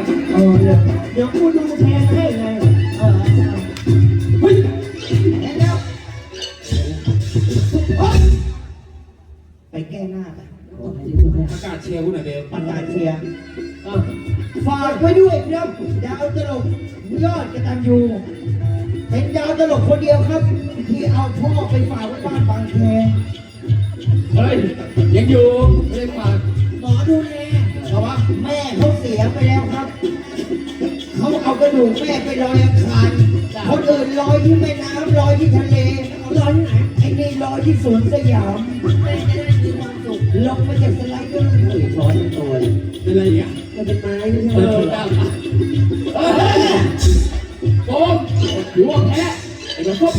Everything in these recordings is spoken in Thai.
เดี๋ยวกูดูแทนให้ไงเฮ้ยแทนแล้วไปแก้หน้าไปประกาศเชียร์คุณหน่อยเบลประกาศเชียร์ฝากไว้ด้วยครับดาวตลกยอดกตัญญูเป็นดาวตลกคนเดียวครับที่เอาพ่อไปฝากไว้บ้านบางแคเฮ้ยยังอยู่ไม่ได้ฝากหมอดูแลแต่ว่าแม่เขาเสียไปแล้วครับเขาเอากระดูกแม่ไปลอยอังคารคนอื่นลอยที่แม่น้ำลอยที่ทะเลลอยที่ไหนไอ้นี่ลอยที่สวนสยามแม่จะได้มีความสุขลงมาจากสไลเดอร์ช้อนตัวเป็นอะไรเนี่ยมันเป็นไม้ไม่ใช่โอ้ยอยู่ว่าแพ้ไอ้กระพุ้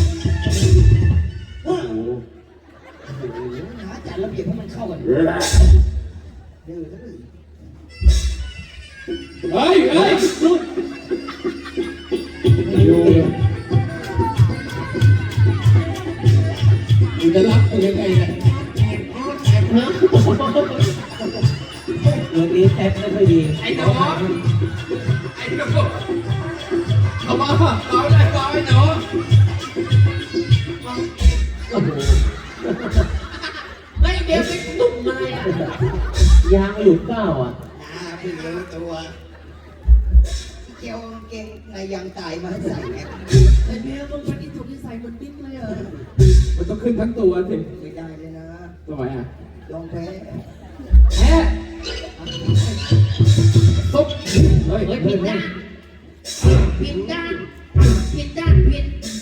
หาจัดระเบียบให้มันเข้ากันเฮ้ยรุ่นอยู่มึงจะรับกูยังไงเนี่ยเรื่องนี้แทบไม่ค่อยดีไอ้หนูเอามาเอาได้เอาไอ้หนูไม่เดี๋ยวไปตุ้มมาอ่ะยางหลุดเปล่าอ่ะเพิ่งรู้ตัวเกี่ยวเก่งในยางตายมาใส่เนี่ยไอ้เบี้ยมึงเป็นที่ถูกที่ใส่เหมือนปิ๊งเลยเหรอมันต้องขึ้นทั้งตัวสิไม่ได้เลยนะทำไมอ่ะลองแพ้ตุ๊บเฮ้ยผิดด้านผิดด้านผิดด้านผิด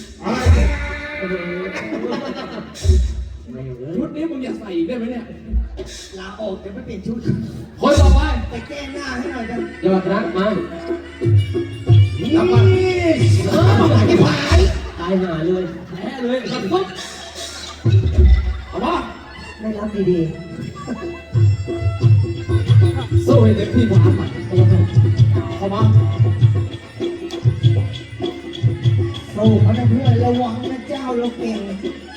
ชุดนี้มึงอยากใส่อีกได้ไหมเนี่ยลาออกจะไม่เปลี่ยนชุดคนต่อไปไปแก้หน้าให้หน่อยกันยอดรักมาทำมาที่ผายตายหาเลยแพ้เลยตุ๊บเอามาไม่รับดีๆสู้ให้เต็มที่มาเข้ามาสู้เขานะเพื่อนระวังนะเจ้าเราเก่ง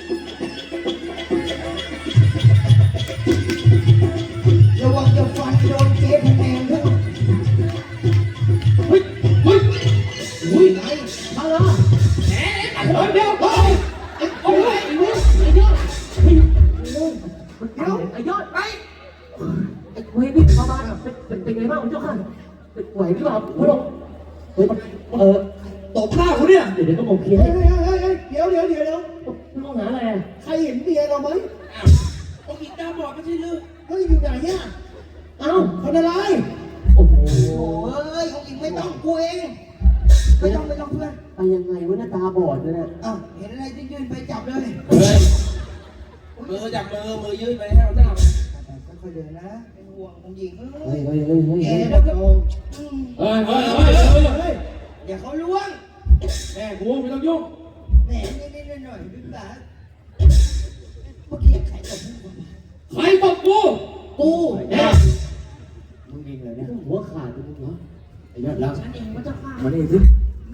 ระวังจะฟันโดนเจ๊พแนงด้วยเฮ้ยไอ้มาละแหมเดี๋ยวโอ้ยไอ้ยอดไอ้ยอดไปไอ้เว้ยนี่ประมาณเป็นไงบ้างคุณเจ้าค่ะไหวหรือเปล่าคุณลงตบหน้าคุณเนี่ยเดี๋ยวก็มองเพี้ยนเดี๋ยวมองหาอะไรใครเห็นเมียเราไหมองค์หญิงตาบอดไม่ใช่หรือเฮ้ยอยู่ไหนเนี่ยเอ้าคนอะไรโอ้โหเฮ้ยองค์หญิงไม่ต้องกูเองไม่ต้องเพื่อนไปยังไงวะหน้าตาบอดเลยเนี่ยอ้าวเห็นอะไรยื่นไปจับเลยมือจับมือยื่นไปให้เราหน้าค่อยๆเดินนะเป็นห่วงองค์หญิงเฮ้ยแกแล้วก็อย่าเขาล้วงแม่กูไม่ต้องยุ่งแหมนี่หน่อยดึงตาเมื่อกี้ใครตบกูมึงเองเลยเนี่ยหัวขาดมึงเหรอไอ้ยอดรักฉันเองว่าจะฆ่ามาดิสิ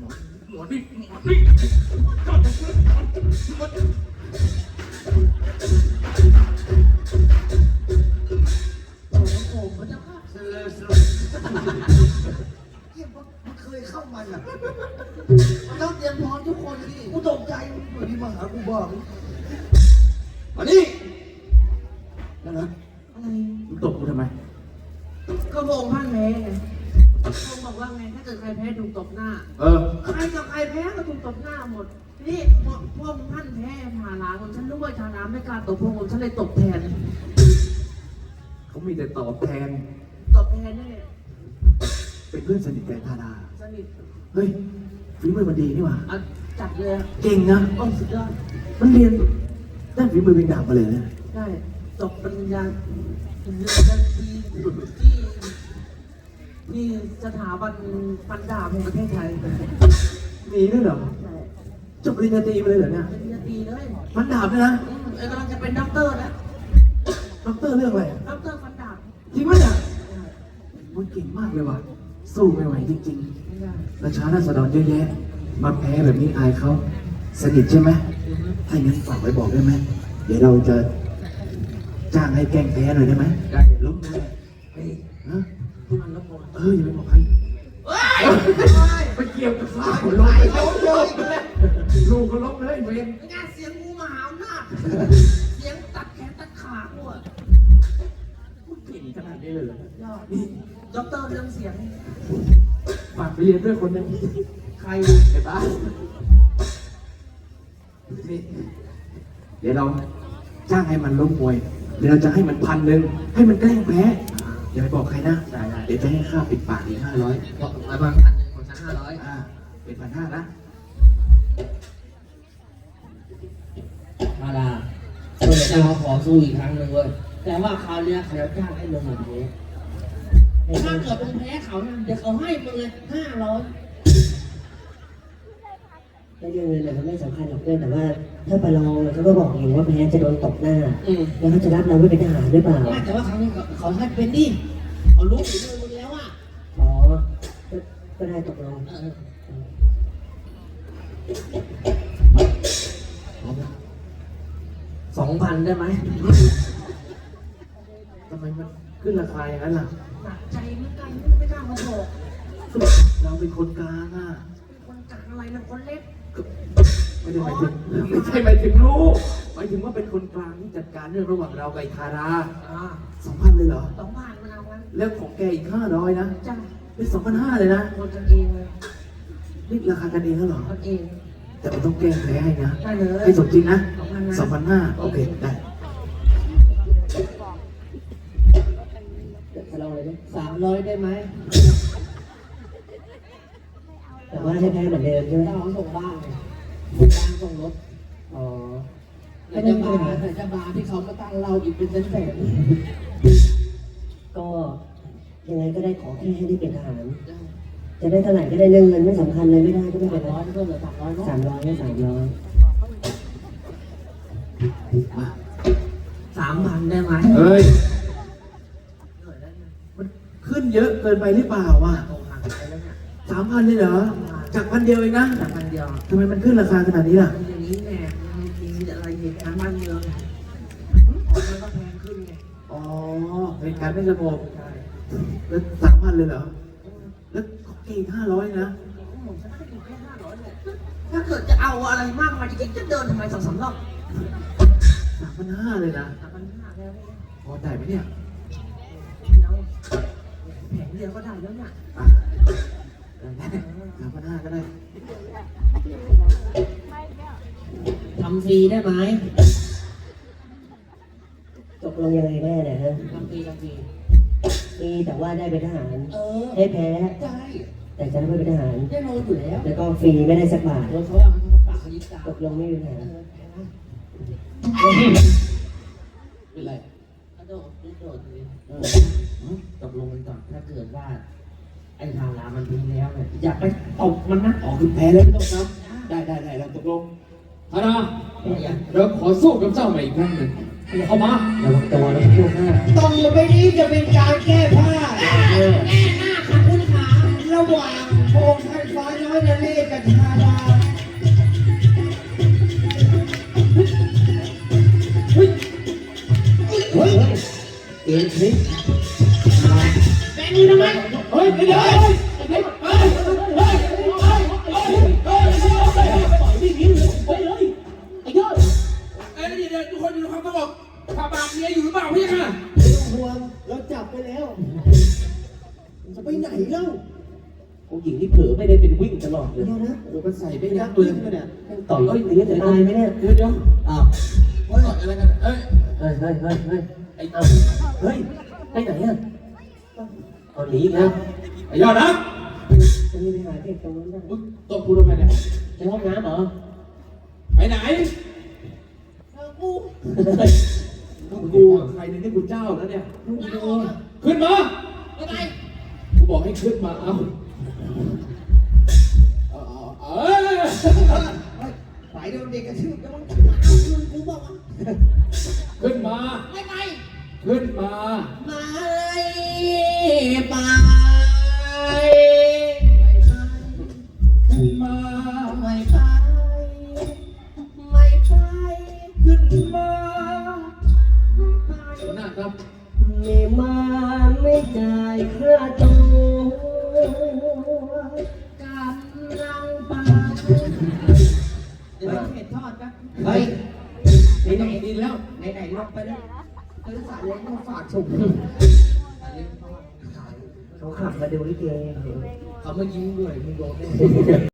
เคยเข้ามันอ่ะมันต้องเตรียมพร้อมทุกคนดิกูตกใจเหมือนที่มาหากูบอกมาดินั่นนะอะไรมึงตบกูทำไมก็วงท่านแพ้ไงวงบอกว่าไงถ้าเกิดใครแพ้ถูกตบหน้าใครกับใครแพ้ก็ถูกตบหน้าหมดนี่พวกท่านแพ้ชาลาคนฉันรู้ว่าชาลาไม่กล้าตบพวกผมฉันเลยตบแทนเขามีแต่ตอบแทนนี่เป็นเพื่อนสนิทแกธาดาสนิทเฮ้ยฝีมือมันดีนี่หว่าจัดเลยเก่งนะโอ้สุดยอดมันเรียนด้านฝีมือเป็นดาบมาเลยนะใช่จบปริญญาที่สถาบันฟันดาบแห่งประเทศไทยมีด้วยเหรอจบปริญญาตรีมาเลยเหรอเนี่ยปริญญาตรีเลยฟันดาบเลยนะกำลังจะเป็นด็อกเตอร์แล้วด็อกเตอร์เรื่องอะไรด็อกเตอร์ฟันดาบจริงไหมเนี่ยมันเก่งมากเลยว่ะสู้ไม่ไหวจริงๆราชาราษฎรเยอะแยะมาแพ้แบบนี้อายเขาสนิทใช่ไหมถ้างั้นฝากไว้บอกได้ไหมเดี๋ยวเราจะจ้างให้แกล้งแพ้หน่อยได้ไหมได้ล้มเลยเฮ้ยนะมันล้มอย่าไปบอกใครเฮ้ยไปเกี่ยวกับฟ้าไหลลงเลยลูกก็ล้มเลยเวรงานเสียงงูมหาอำนาจเสียงตัดแขนตัดขากูอะเก่งขนาดนี้เลยเหรอยอดนี่ด็อกเตอร์เรื่องเสียงฝากไปเรียนด้วยคนหนึงใครอะไอ้บ้านี่เดี๋ยวเราจ้างให้มันล้มมวยเดี๋ยวเราจะให้มัน1,000ให้มันแกล้งแพ้อย่าไปบอกใครนะเดี๋ยวจะให้ค่าปิดปากอีก500 บอกมาบางพันหนึ่งของฉัน500 เป็น1,500นะมาดาเพื่อจะมาขอสู้อีกครั้งหนึ่งเว้ยแต่ว่าคราวเนี้ยเขาจะจ้างให้ลงมาแพ้ถ้าเกิดมึงแพ้เขานะเดี๋ยวเขาให้มึงเลย500 ไม่เรื่องเงินมันไม่สำคัญหรอกเพื่อนแต่ว่าถ้าประลองเขาก็บอกอยู่ว่าแพ้จะโดนตบหน้า แล้วเขาจะรับเราไว้เป็นทหารหรือเปล่าแต่ว่าครั้งนี้เขาให้เป็นดิเขารู้ฝีมือมึงแล้วอ่ะอ๋อก็ได้ตกลง 2,000ได้ไหมทำไมมันขึ้นราคาอย่างนั้นล่ะหนักใจเหมือนกันไม่กล้ามาบอกเราเป็นคนกลางอ่ะคนกลางอะไรนะคนเล็กไม่ได้หมายถึงไม่ใช่หมายถึงลูกหมายถึงว่าเป็นคนกลางที่จัดการเรื่องระหว่างเรากับไอ้ทารา 2,000เลยเหรอ 2,000มันเอางั้นแล้วของแกอีก500นะจ้าเป็น2,500เลยนะคนกันเองเลยนี่ราคากันเองแล้วเหรอคนเองแต่มันต้องแก้แพ้ให้นะได้เลยให้สมจริงนะ 2,500 2,500โอเคได้จะลองเลยไหม 300ได้ไหมแต่ว่าให้แพ้เหมือนเดิมใช่ไหมถ้าเขาส่งบ้านเลยส่งบ้านส่งรถอ๋อแต่จะบาร์แต่จะบาร์ที่เขามาตั้งเราอีกเป็นแสนก็ยังไงก็ได้ขอแค่ให้ได้เป็นทหาร จะได้เท่าไหร่ก็ได้เรื่องเงินไม่สำคัญเลยไม่ได้ก็ไม่เป็นไร 300เพิ่มเหลือ300เนาะ 300ก็300 มา 3,000ได้ไหมเฮ้ยมันขึ้นเยอะเกินไปหรือเปล่าอ่ะโตห่างไปแล้วเนี่ย 3,000เลยเหรอ จาก1,000เดียวเองนะจากพันเดียวทำไมมันขึ้นราคาขนาดนี้ล่ะอย่างนี้แน่มีอะไรเหตุการณ์บ้านเมืองมันก็แพงขึ้นไงอ๋อเหตุการณ์ไม่สงบใช่แล้ว3,000เลยเหรอ แล้วของแกอีก500นะผมจะให้อยู่แค่500เนี่ยถ้าเกิดจะเอาอะไรมากมายจริงๆจะเดินทำไม2-3 รอบ 3,500เลยนะ 3,500แล้วเนี่ยพอได้ไหมเนี่ยแล้วแผงเดียวก็ได้แล้วเนี่ยอ่ะได้3,500ก็ได้ทำฟรีได้ไหมตกลงยังไงแน่เนี่ยฮะทำฟรีมีแต่ว่าได้เป็นทหารได้ให้แพ้ แต่จะได้ไม่เป็นทหารได้โลอยู่แล้วแล้วก็ฟรีไม่ได้สักบาทโดนเขาว่ามันปากเขายิบตาตกลงไม่มีปัญหาเป็นไรกระโดดเลยตกลงกันก่อนถ้าเกิดว่า ไอ้ทางร้านมันทิ้งแล้วเนี่ยอย่าไปตบมันนะอ๋อคือแพ้แล้วไม่ต้องซ้ำได้เราตกลงฮานาเราขอสู้กับเจ้าใหม่อีกครั้งหนึ่งเข้ามาระวังตัวนะพวกหน้าตรงไปนี้จะเป็นการแก้ผ้าแน่หน้าค่ะคุณขาระหว่างโพงท่านฟ้าน้อยนเรศกับชาดาเฮ้ยเอ็นคลิปแบงค์นี่ทำไมเฮ้ยเดี๋ยวเอ้ยเดี๋ยวทุกคนอยู่ในความสงบพาบางเมียอยู่หรือเปล่าพี่ค่ะไม่ต้องห่วงเราจับไปแล้วจะไปไหนเล่าผู้หญิงที่เผลอไม่ได้เป็นวิ่งตลอดเลยเดี๋ยวนะโอ้มันใส่ไม่ยัยักกษ์ษ์เลปืยนมาเนี่ยต่อยอย่างนี้จะตายไหมเนี่ยเดี๋ยวอ้าวเฮ้ยอะไรกันเอ้ยเฮ้ยไอ้เฮ้ยไปไหนอ่ะเอาหนีอีกแล้วไอ้ยอดนะจะมีไปหาเด็กตรงนั้นได้มึงตบกูทำไมเนี่ยในห้องน้ำเหรอไปไหนกูกูใครเนี่ยนี่กูเจ้าแล้วเนี่ย ขึ้นมาอะไรกูบอกให้ขึ้นมาเอาเออฝ่ายโดนเด็กกระชืบแล้วมันเอาคืนกูบอกว่าขึ้นมาไม่ไปขึ้นมาไม่ไปขึ้นมาไม่ไปไม่ไปขึ้นมาไม่ไปหัวหน้าครับไม่มาไม่จ่ายค่าตัวแล้วไหนๆลงไปแล้วซื้อสายเล้งมาฝากถุงเขาขับมาดูลิเกเขามายิ้มด้วยมึงโดน